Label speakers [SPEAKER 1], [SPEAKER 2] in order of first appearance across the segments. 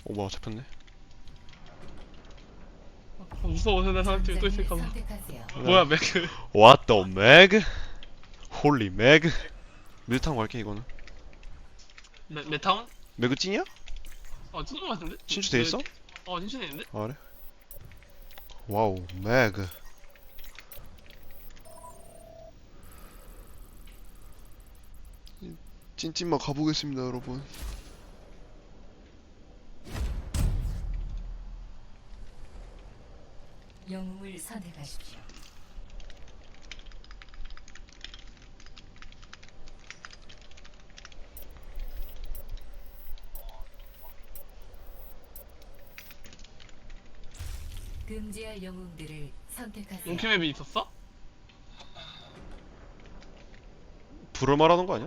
[SPEAKER 1] 오 뭐야 잡혔네.
[SPEAKER 2] 무서워. 내 사람 팀또 있을까봐. 뭐야 맥크.
[SPEAKER 1] What the mag? 홀리 mag? 밀탕 갈게 이거는.
[SPEAKER 2] 메타운?
[SPEAKER 1] 매그 찐이야?
[SPEAKER 2] 찐인 것 같은데?
[SPEAKER 1] 신주돼 있어?
[SPEAKER 2] 신주돼 있는데?
[SPEAKER 1] 아 그래? 와우 매그. 찐찐마 가보겠습니다 여러분.
[SPEAKER 3] 영웅을 선택하십시오. 금지할 영웅들을 선택하세요.
[SPEAKER 2] 롱키맵이 있었어?
[SPEAKER 1] 불을 말하는 거 아니야?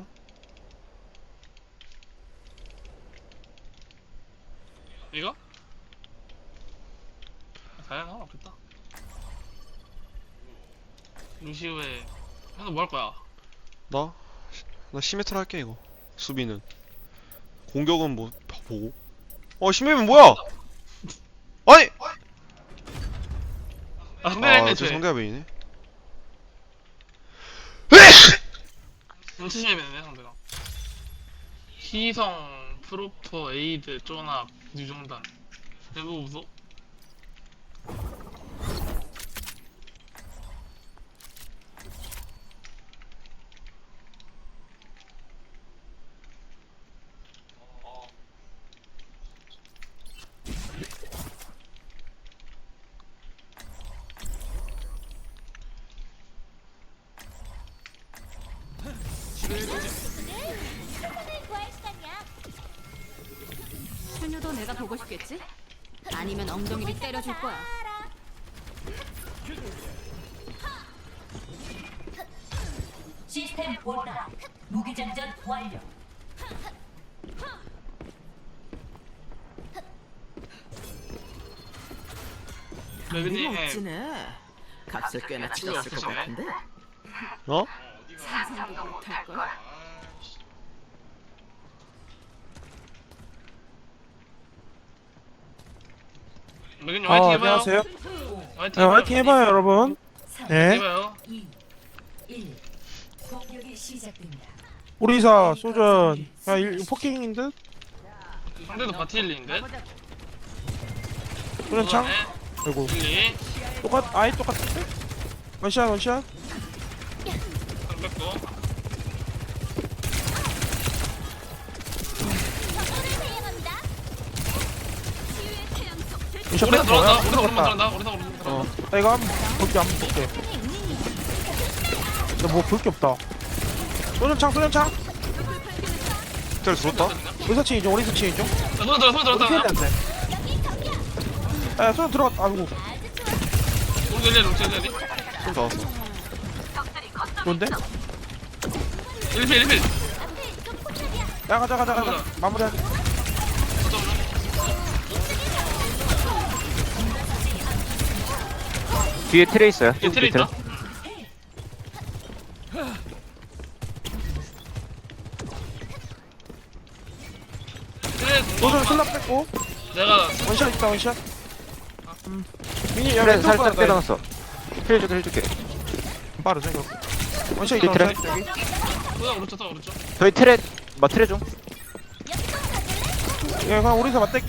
[SPEAKER 2] 이거? 다양한 없겠다. 루시우에 형은 뭐 할 거야?
[SPEAKER 1] 나 시메트라 할게 이거. 수비는 공격은 뭐 보고. 시메면 뭐야? 아니!
[SPEAKER 2] 상대가
[SPEAKER 1] 저 상대가 메이네.
[SPEAKER 2] 눈치심이네 상대가. 희성, 프로퍼, 에이드, 쪼납, 유정단. 내부 무서?
[SPEAKER 4] 현유도 내가 보고 싶겠지? 아니면 엉덩이를 때려줄 거야.
[SPEAKER 3] 시스템 원활. 무기장전 완료.
[SPEAKER 2] 레빈이
[SPEAKER 5] 멋지네. 값을 꽤나 치렀을 것 같은데.
[SPEAKER 1] 어?
[SPEAKER 4] 상상도 못할걸.
[SPEAKER 2] 레빈이 화이팅 해봐요.
[SPEAKER 6] 안녕하세요.
[SPEAKER 2] 화이팅
[SPEAKER 6] 네, 화이팅 해봐요, 여러분. 네.
[SPEAKER 2] 해봐요.
[SPEAKER 3] 2, 1. 공격이 시작됩니다.
[SPEAKER 6] 우리사 소전. 야, 포킹인 듯?
[SPEAKER 2] 상대도 바티일리인데?
[SPEAKER 6] 소전 창? 아이고.
[SPEAKER 2] 일리
[SPEAKER 6] 아예 똑같은데? 원샷, 원샷.
[SPEAKER 2] 상 뺐고.
[SPEAKER 6] 원샷
[SPEAKER 2] 오리사
[SPEAKER 6] 뺀 거야?
[SPEAKER 2] 들어간다. 오리사 오른만 들어간다. 오리사 오른만 들어간다.
[SPEAKER 6] 나 이거 한번 볼게, 한번 볼게. 나 뭐 볼 게 없다. 소전 창, 소전 창.
[SPEAKER 1] 텔 들었다?
[SPEAKER 6] 우리사 층이죠, 우리사 층이죠.
[SPEAKER 2] 손 들어갔다.
[SPEAKER 6] 어떻게 해야 되는데? 야, 소전 들어갔다. 아이고.
[SPEAKER 2] 롱젤리 롱젤리.
[SPEAKER 1] 좀 나왔어.
[SPEAKER 6] 뭔데?
[SPEAKER 2] 1필 1필.
[SPEAKER 6] 야, 가자. 마무리하자.
[SPEAKER 7] 뒤에 트레 있어요.
[SPEAKER 2] 뒤에 트레 있다.
[SPEAKER 6] 소전 슬랍 뺐고.
[SPEAKER 2] 내가
[SPEAKER 6] 원샷 있다, 원샷. 미니, 야,
[SPEAKER 7] 트레
[SPEAKER 6] 왼쪽
[SPEAKER 7] 살짝
[SPEAKER 6] 봐라,
[SPEAKER 7] 빼놨어. 힐 줄게.
[SPEAKER 6] 빠르죠, 이거. 원샷 있다,
[SPEAKER 7] 트레.
[SPEAKER 6] 원샷. 여기.
[SPEAKER 2] 오른쪽.
[SPEAKER 7] 저희 트레 좀.
[SPEAKER 6] 야, 그냥 우리사 맞댈게.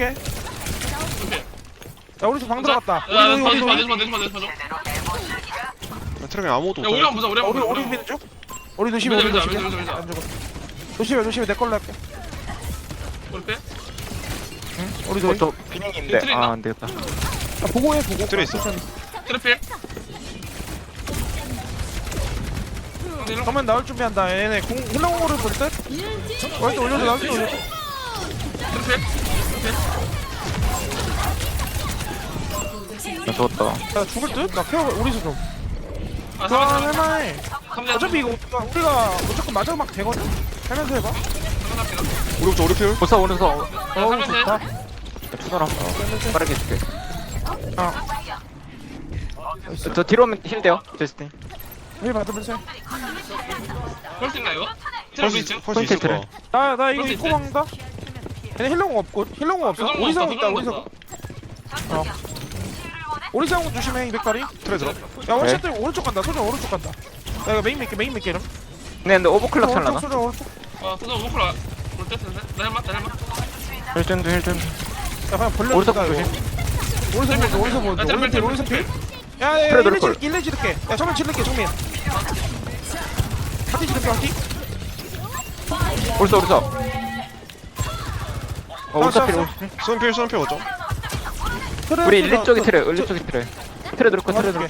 [SPEAKER 6] 야, 우리사 방 들어갔다.
[SPEAKER 2] 야,
[SPEAKER 6] 우리.
[SPEAKER 2] 내줘.
[SPEAKER 1] 나 트랙에 아무것도
[SPEAKER 2] 야,
[SPEAKER 1] 없다.
[SPEAKER 2] 우리만 보자.
[SPEAKER 6] 우리 미는 중? 우리 조심해, 우리
[SPEAKER 2] 밀자,
[SPEAKER 6] 조심해.
[SPEAKER 2] 밀자.
[SPEAKER 6] 안 죽어. 조심해, 내 걸로 할게.
[SPEAKER 2] 우리 빼.
[SPEAKER 6] 응? 우리 도이.
[SPEAKER 7] 저 비닝인데.
[SPEAKER 2] 트레 있나?
[SPEAKER 7] 아, 안 되겠다.
[SPEAKER 6] 보고해, 보고.
[SPEAKER 1] 트레 있어.
[SPEAKER 2] 트래필.
[SPEAKER 6] 그러면 나올 준비한다. 얘네 힐러공으로 볼 듯? 월드 올려줘, 나올 때 올려줘.
[SPEAKER 7] 나 죽었다.
[SPEAKER 6] 나 죽을 듯? 나 케어, 우리서 좀.
[SPEAKER 2] 아,
[SPEAKER 6] 할만해. 어차피 이거 우리가 무조건 마지막 되거든? 하면서 해봐.
[SPEAKER 1] 오른쪽 오른필.
[SPEAKER 7] 벌써 오면서
[SPEAKER 6] 어우, 좋다.
[SPEAKER 7] 추가로 빠르게 해줄게.
[SPEAKER 6] 아,
[SPEAKER 7] 저 뒤로 오면 힐 돼요. 제스틴.
[SPEAKER 6] 힐 받으면서 해.
[SPEAKER 2] 헐수 있나 이거?
[SPEAKER 1] 펄스
[SPEAKER 2] 트래필
[SPEAKER 1] 펄스 있을 거야.
[SPEAKER 6] 나 이거
[SPEAKER 2] 그럴 수
[SPEAKER 6] 입고
[SPEAKER 2] 있대.
[SPEAKER 6] 먹는다? 얘네 힐러공 없고 힐러공 없어.
[SPEAKER 2] 조정도
[SPEAKER 6] 오리사공
[SPEAKER 2] 없다,
[SPEAKER 6] 있다. 오리사공. 오리사공 조심해. 200다리.
[SPEAKER 1] 트레 들어.
[SPEAKER 6] 야 원샷들 오른쪽 간다. 소전 오른쪽 간다. 야 이거 메인 맥게 이름.
[SPEAKER 7] 근데 오버클럭 찰라나?
[SPEAKER 6] 소전 오른쪽.
[SPEAKER 2] 소정 오버클 볼때 텐데. 나 헬마.
[SPEAKER 7] 힐전도 힐전.
[SPEAKER 6] 야 그냥 벌려.
[SPEAKER 7] 오른쪽 조심.
[SPEAKER 6] 오른쪽 보자.
[SPEAKER 2] 야, 트래플,
[SPEAKER 6] 오른쪽 필. 야
[SPEAKER 7] 그래, 노릴 걸.
[SPEAKER 6] 일레 지를게. 야 정면 지를게 정면. 하티 지를게 하티.
[SPEAKER 7] 오른쪽. 오른쪽 필.
[SPEAKER 1] 수은필 수은필 오죠.
[SPEAKER 7] 우리 일리 쪽이 트레. 트레 들어콜.
[SPEAKER 2] 소정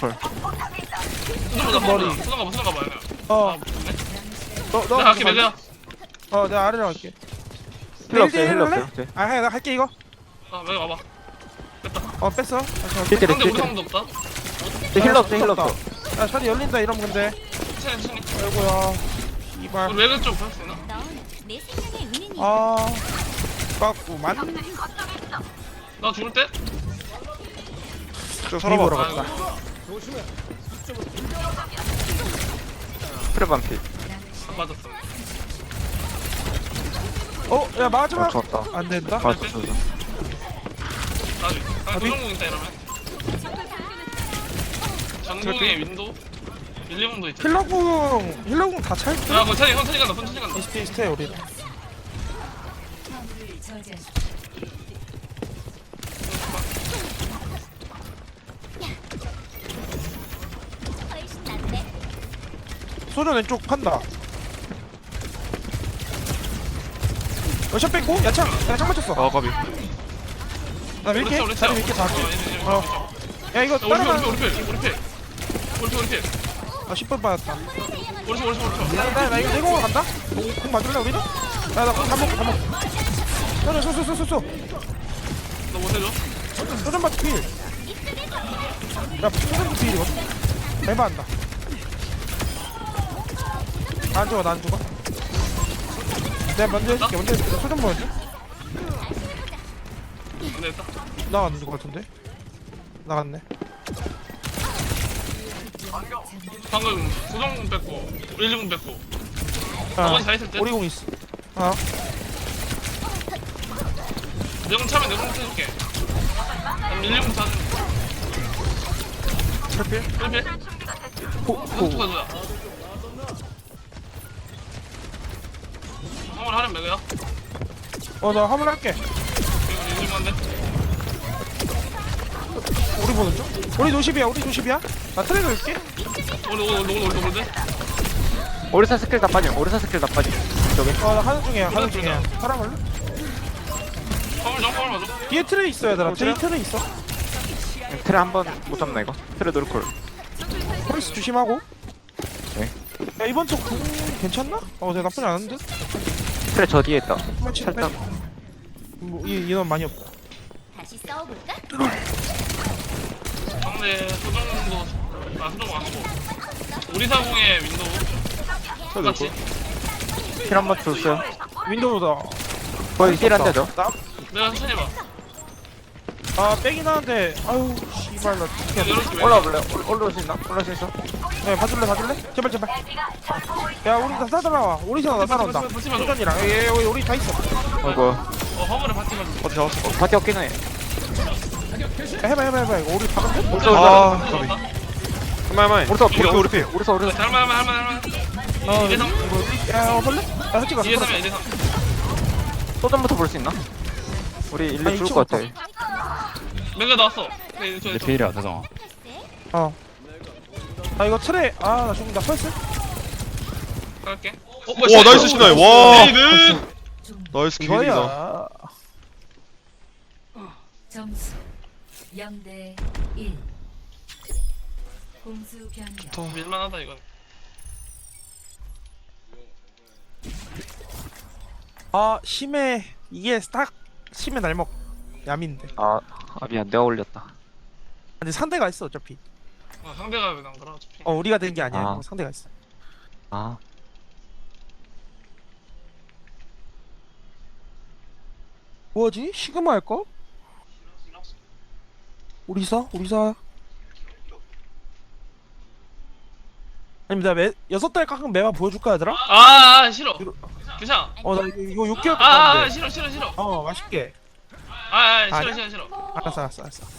[SPEAKER 6] 머리.
[SPEAKER 2] 가봐.
[SPEAKER 6] 어. 너
[SPEAKER 2] 나 갈게 매그야.
[SPEAKER 6] 내가 아래로 갈게.
[SPEAKER 7] 힐러 없어요.
[SPEAKER 6] 일대
[SPEAKER 7] 힐러
[SPEAKER 6] 일 할래?
[SPEAKER 7] 없어요.
[SPEAKER 6] 나 할게 이거.
[SPEAKER 2] 매그 와봐.
[SPEAKER 6] 뺐어.
[SPEAKER 7] 힐
[SPEAKER 2] 상대 무상도 없다.
[SPEAKER 7] 힐러 없어.
[SPEAKER 6] 야 샷이 열린다 이러면 근데.
[SPEAKER 2] 천천히.
[SPEAKER 6] 아이고야. 이발.
[SPEAKER 2] 우리 매그 좀 볼수 있나?
[SPEAKER 4] 내 생명의 은인이야.
[SPEAKER 6] 아. 깎구만.
[SPEAKER 2] 나 죽을 때?
[SPEAKER 1] 저
[SPEAKER 6] 보러
[SPEAKER 1] 살아봐.
[SPEAKER 6] 갔다.
[SPEAKER 7] 트레 반피.
[SPEAKER 2] 안 맞았어.
[SPEAKER 6] 야 마지막.
[SPEAKER 7] 좋았다.
[SPEAKER 6] 안 된다.
[SPEAKER 7] 좋았어.
[SPEAKER 2] 나중에. 소정공 있다 이러면. 전공에 윈도우. 1, 2번도 있지.
[SPEAKER 6] 힐러궁 다 찰.
[SPEAKER 2] 야, 그거 천천히 간다.
[SPEAKER 6] 이스테 우리.
[SPEAKER 3] 화물을 저지하십시오.
[SPEAKER 4] 훨씬 낫네.
[SPEAKER 6] 소전 왼쪽 판다. 샷 뺐고 야창 맞췄어.
[SPEAKER 1] 아 까비.
[SPEAKER 6] 나 밀게.
[SPEAKER 2] 우리
[SPEAKER 6] 다리 밀게 다. 야 이거
[SPEAKER 2] 우리
[SPEAKER 6] 따라가.
[SPEAKER 2] 필.
[SPEAKER 6] 아 10번 받았다.
[SPEAKER 2] 우리
[SPEAKER 6] 나 이거 내공으로 간다. 공 맞을래 우리는? 나공 다 먹고. 쏘.
[SPEAKER 2] 너 못해줘?
[SPEAKER 6] 소전 맞 필. 야 소전 필이거든. 대박한다. 안 죽어. 내가 먼저 해줄게. 소전 보여줘.
[SPEAKER 2] 안 되겠다.
[SPEAKER 6] 나갔는 것 같은데? 나갔네.
[SPEAKER 2] 방금 소정공 뺐고 1, 2분 뺐고
[SPEAKER 6] 아,
[SPEAKER 2] 나머지 다 있을 때
[SPEAKER 6] 오리공 있어.
[SPEAKER 2] 내공 차면 내공 쳐줄게. 1, 2분 차는
[SPEAKER 6] 철필?
[SPEAKER 2] 1필? 오른쪽 가자. 한번 하는 매그야?
[SPEAKER 6] 나 화물 할게.
[SPEAKER 2] 이거 1, 2분인데?
[SPEAKER 6] 우리 보는 중? 우리 노십이야. 나 트레이 넣을게.
[SPEAKER 2] 오늘
[SPEAKER 7] 오리사 스킬 다 빠짐. 저기.
[SPEAKER 6] 나 하는 중이야. 사람 할래?
[SPEAKER 2] 화물 맞아.
[SPEAKER 6] 뒤에 트레이 있어 얘들아. 뒤에 트레이 있어.
[SPEAKER 7] 트레 한 번 못 잡나 이거? 트레 노릴콜.
[SPEAKER 6] 폴스 조심하고.
[SPEAKER 7] 네.
[SPEAKER 6] 야 이번 쪽 괜찮나? 내가 나쁘지 않은데?
[SPEAKER 7] 트레 저 뒤에 있다.
[SPEAKER 6] 한번 칠
[SPEAKER 7] 살짝.
[SPEAKER 6] 인원 많이 없다.
[SPEAKER 4] 다시 싸워볼까?
[SPEAKER 2] 상대 소정공도 소정 안 하고 우리 사공의 윈도우 똑같이.
[SPEAKER 7] 힐 한 번 줬어요.
[SPEAKER 6] 윈도우다.
[SPEAKER 7] 거의 힐한 대죠.
[SPEAKER 2] 내가 천천히 봐.
[SPEAKER 6] 빼긴 하는데 아유 씨발 나 어떻게
[SPEAKER 2] 열어줄게.
[SPEAKER 7] 올라올 수 있나? 올라올 수 있어?
[SPEAKER 6] 봐줄래? 제발 야 우리 다 따라와. 오리사나 나 따라온다.
[SPEAKER 2] 같이 맞아.
[SPEAKER 6] 소전이랑 우리 다 있어.
[SPEAKER 7] 어이구.
[SPEAKER 2] 화물에 바티 맞아.
[SPEAKER 1] 어디 잡았어?
[SPEAKER 7] 바티 없긴 해.
[SPEAKER 6] 야, 해봐 이거 우리 박은데?
[SPEAKER 1] 아 까비. 할만해.
[SPEAKER 7] 오른쪽
[SPEAKER 1] 우리 필.
[SPEAKER 7] 오른쪽.
[SPEAKER 2] 할만. 2대3.
[SPEAKER 6] 야 볼래? 야 솔직히
[SPEAKER 2] 2대3이야 2대3.
[SPEAKER 7] 소전부터 볼 수 있나? 우리 일리
[SPEAKER 6] 아니,
[SPEAKER 7] 죽을 것 같아.
[SPEAKER 2] 매그 나왔어.
[SPEAKER 8] 내 필이야 대성아.
[SPEAKER 6] 이거 트레 나 죽는다. 펄스?
[SPEAKER 2] 갈게.
[SPEAKER 1] 와 나이스 신나이. 와.
[SPEAKER 2] 에이그.
[SPEAKER 1] 나이스 기회이다.
[SPEAKER 6] 저야.
[SPEAKER 3] 점수 0대 1. 공수 변경.
[SPEAKER 2] 밀만하다 이건.
[SPEAKER 6] 심해. 이게 딱 심해 날먹 야민데.
[SPEAKER 7] 미안. 내가 올렸다.
[SPEAKER 6] 근데 상대가 있어 어차피.
[SPEAKER 2] 상대가 왜안 그러 어차피.
[SPEAKER 6] 우리가 된 게 아니야.
[SPEAKER 7] 아.
[SPEAKER 6] 상대가 있어. 뭐지? 시그마 할까? 우리사? 아니면 내가 6달 깎은 매만 보여줄까 얘들아?
[SPEAKER 2] 싫어. 괜찮아.
[SPEAKER 6] 나 이거 6개월
[SPEAKER 2] 아,
[SPEAKER 6] 됐는데.
[SPEAKER 2] 싫어 싫어 싫어.
[SPEAKER 6] 맛있게.
[SPEAKER 2] 싫어
[SPEAKER 6] 아니야?
[SPEAKER 2] 싫어 싫어.
[SPEAKER 6] 알았어.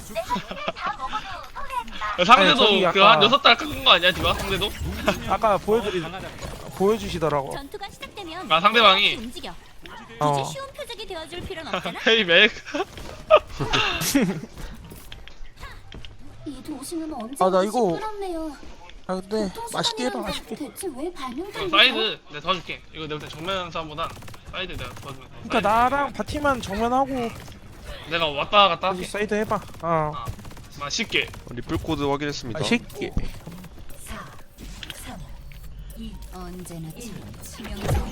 [SPEAKER 2] 상대도
[SPEAKER 6] 저기
[SPEAKER 2] 그
[SPEAKER 6] 아까-
[SPEAKER 2] 한 6달 깎은 거 아니야 디바? 상대도?
[SPEAKER 6] 아까 보여주시더라고.
[SPEAKER 4] 전투가 시작되면
[SPEAKER 2] 아, 상대방이?
[SPEAKER 4] 움직여.
[SPEAKER 6] 어.
[SPEAKER 4] 굳이 쉬운 표적이 되어줄 필요는 없잖아.
[SPEAKER 2] 헤이 맥.
[SPEAKER 8] 이 도시는 언제
[SPEAKER 6] 나 이거-
[SPEAKER 8] 시끄럽네요.
[SPEAKER 6] 근데 맛있게 해봐, 맛있게.
[SPEAKER 8] 대체 왜 발명된
[SPEAKER 2] 사이드 내가 도와줄게. 이거 내가 볼때 정면 싸움보단 사이드 내가 도와주면 돼.
[SPEAKER 6] 그러니까 나랑 바티만 정면하고
[SPEAKER 2] 내가 왔다 갔다
[SPEAKER 6] 여기
[SPEAKER 2] 할게.
[SPEAKER 6] 사이드 해봐.
[SPEAKER 2] 맛있게.
[SPEAKER 1] 리플 코드 확인했습니다.
[SPEAKER 6] 맛있게.
[SPEAKER 3] 4, 3, 2,
[SPEAKER 4] 언제나
[SPEAKER 3] 1.
[SPEAKER 4] 참.
[SPEAKER 3] 치명적인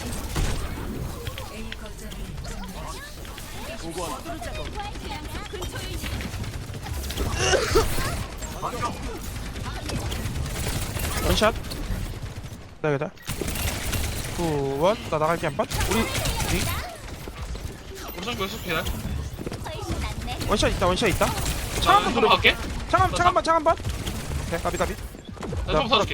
[SPEAKER 3] A 거점을 점령.
[SPEAKER 6] 원샷. 기다. 9, 1. 나 나갈게 한 번. 우리
[SPEAKER 2] 오른쪽 계속 해.
[SPEAKER 6] 원샷 있다.
[SPEAKER 2] 자, 한번 갈게.
[SPEAKER 6] 창 한 번. 오케이, 가비.
[SPEAKER 2] 나 좀 써줄게.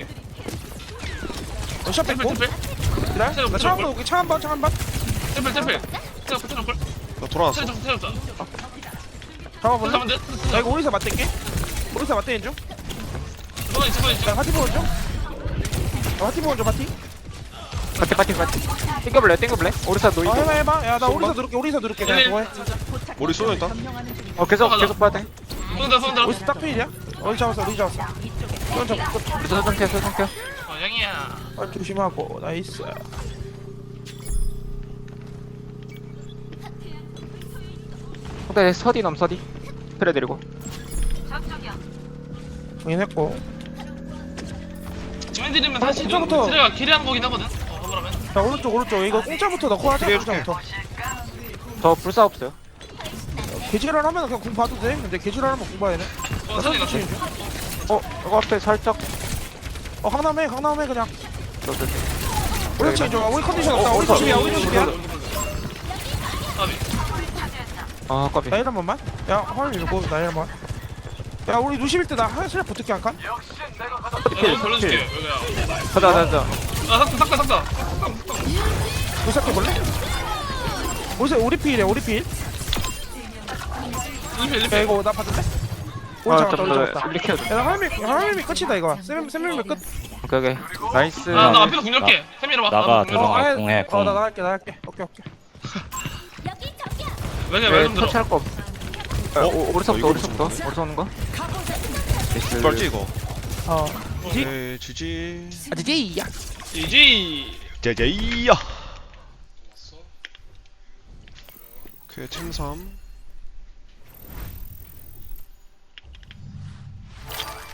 [SPEAKER 6] 원샷
[SPEAKER 2] 템플
[SPEAKER 6] 뺐고.
[SPEAKER 2] 템플
[SPEAKER 6] 기다려.
[SPEAKER 2] 템플,
[SPEAKER 6] 나 창 한 번 올게. 창 한 번.
[SPEAKER 2] 템플 템플. 템플 템플.
[SPEAKER 1] 나 돌아왔어.
[SPEAKER 2] 템플 템플.
[SPEAKER 6] 잡아볼래?
[SPEAKER 2] 잠깐만 돼.
[SPEAKER 6] 나 이거 오리사 맞댈게. 오리사 맞대는 중.
[SPEAKER 2] 이번엔 이번엔
[SPEAKER 6] 나 파티 보는 중. 파티 보는 중, 파티.
[SPEAKER 7] 파티. 땡겨볼래? 오리사 노이.
[SPEAKER 6] 해봐. 야, 나 오리사 누를게. 그냥 그거 해.
[SPEAKER 1] 머리 쏘여 있다.
[SPEAKER 7] 계속 봐야 돼.
[SPEAKER 2] 손들어.
[SPEAKER 6] 오리사 딱 필이야? 우리 잡았어.
[SPEAKER 7] 오리사 소정켜.
[SPEAKER 2] 양이야.
[SPEAKER 6] 조심하고. 나이스.
[SPEAKER 7] 상대 서디 트레 데리고.
[SPEAKER 6] 정인했고.
[SPEAKER 2] 지멘들이면 사실 좀
[SPEAKER 6] 공짜부터.
[SPEAKER 2] 트레가 캐리한 거긴 하거든. 그러면
[SPEAKER 6] 자, 오른쪽. 이거 공짜부터 넣고 하자. 공짜부터.
[SPEAKER 7] 저 불사 없어요.
[SPEAKER 6] 개지랄 하면 그냥 공 봐도 돼. 근데 개지랄 하면 공 봐야 돼. 나
[SPEAKER 2] 선이
[SPEAKER 6] 선수 치는 중.
[SPEAKER 7] 이거 앞에 살짝.
[SPEAKER 6] 강남해 그냥.
[SPEAKER 7] 저.
[SPEAKER 6] 우리 치는 중. 우리 컨디션 없다. 우리 조심이야.
[SPEAKER 7] 까비.
[SPEAKER 6] 나일 한 번만. 야, 화면 밀고 나일 한 번. 야, 우리 루시빌 때 나 하실 붙을게 한 칸.
[SPEAKER 2] 내가 걸려줄게. 여기야.
[SPEAKER 7] 가자.
[SPEAKER 2] 삭다.
[SPEAKER 6] 루시할게 볼래? 우리 필이야. 야, 이거 나 받을래? 우리 잡았다.
[SPEAKER 7] 이렇게 해야 돼.
[SPEAKER 6] 야, 나 화면 끝이다 이거. 쌤 끝.
[SPEAKER 7] 오케이. 나이스.
[SPEAKER 2] 나 앞에서 공격해. 세미로 봐.
[SPEAKER 9] 나가,
[SPEAKER 2] 앞에서
[SPEAKER 9] 들어가.
[SPEAKER 2] 공격해.
[SPEAKER 9] 공해, 공.
[SPEAKER 6] 나 나갈게. 오케이.
[SPEAKER 2] 왜좀 들어.
[SPEAKER 7] 터치할 거 없어. 오리사부터. 오리사 오는 거.
[SPEAKER 1] 빨지 이거.
[SPEAKER 6] 지지.
[SPEAKER 1] 오케이, 지지.
[SPEAKER 6] 지지야.
[SPEAKER 2] GG.
[SPEAKER 1] 제제이야. 오케이, 템3.